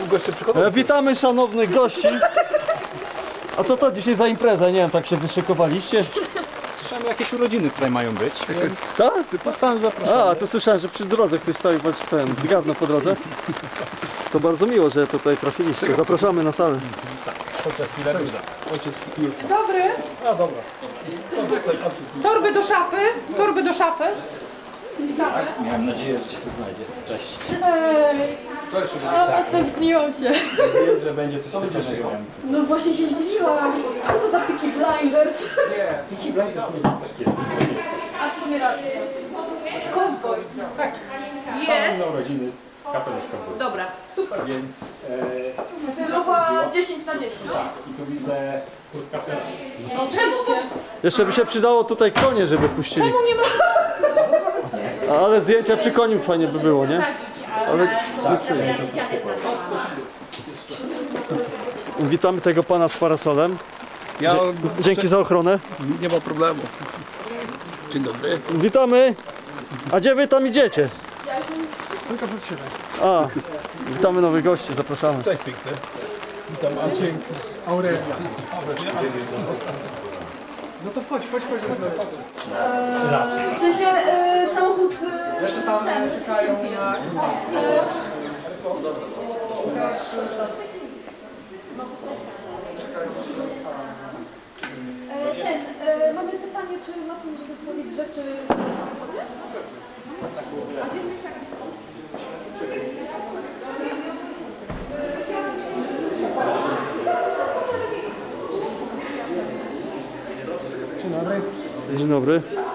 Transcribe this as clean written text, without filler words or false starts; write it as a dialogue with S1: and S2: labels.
S1: goście przychodzą.
S2: Witamy szanownych gości. A co to dzisiaj za impreza? Nie wiem, tak się wyszykowaliście?
S1: Słyszałem, jakieś urodziny tutaj mają być, więc
S2: Tak?
S1: zostałem zaproszony.
S2: A, to słyszałem, że przy drodze ktoś stoi, was ten zgadnął po drodze. To bardzo miło, że tutaj trafiliście. Zapraszamy na salę.
S1: Podczas Pilarusa.
S3: Dobry.
S1: A dobra.
S3: Torby do szafy. Torby do szafy.
S1: Miałem nadzieję, że cię tu znajdzie. Cześć.
S3: Ej. A stęskniłam się.
S1: Wiem, że będzie coś specjalnego.
S4: No właśnie się zdziwiłam. Co to za Peaky Blinders?
S1: Peaky Blinders mieli też kiedyś.
S4: A w sumie rację. Cowboy.
S3: Tak.
S4: Jest.
S1: Na urodziny kapelusz cowboys.
S4: Dobra, super.
S1: Więc
S4: Stylowa 10 na 10.
S1: i tu widzę kurtka Ferrari.
S4: No oczywiście.
S2: Jeszcze by się przydało tutaj konie, żeby puścili. Ale zdjęcia przy koniu fajnie by było, nie? Ale nie przyjdzie. Witamy tego pana z parasolem. Dzięki za ochronę.
S1: Nie ma problemu. Dzień dobry.
S2: Witamy. A gdzie wy tam idziecie? A, witamy nowych gości, zapraszamy.
S1: Cześć piękny. Witam Andrzej. Aurelia. No to chodź.
S4: W sensie samochód...
S1: Jeszcze tam czekają na...
S4: mamy pytanie, czy ma pan może zestawić rzeczy w samochodzie?
S2: Dzień dobry.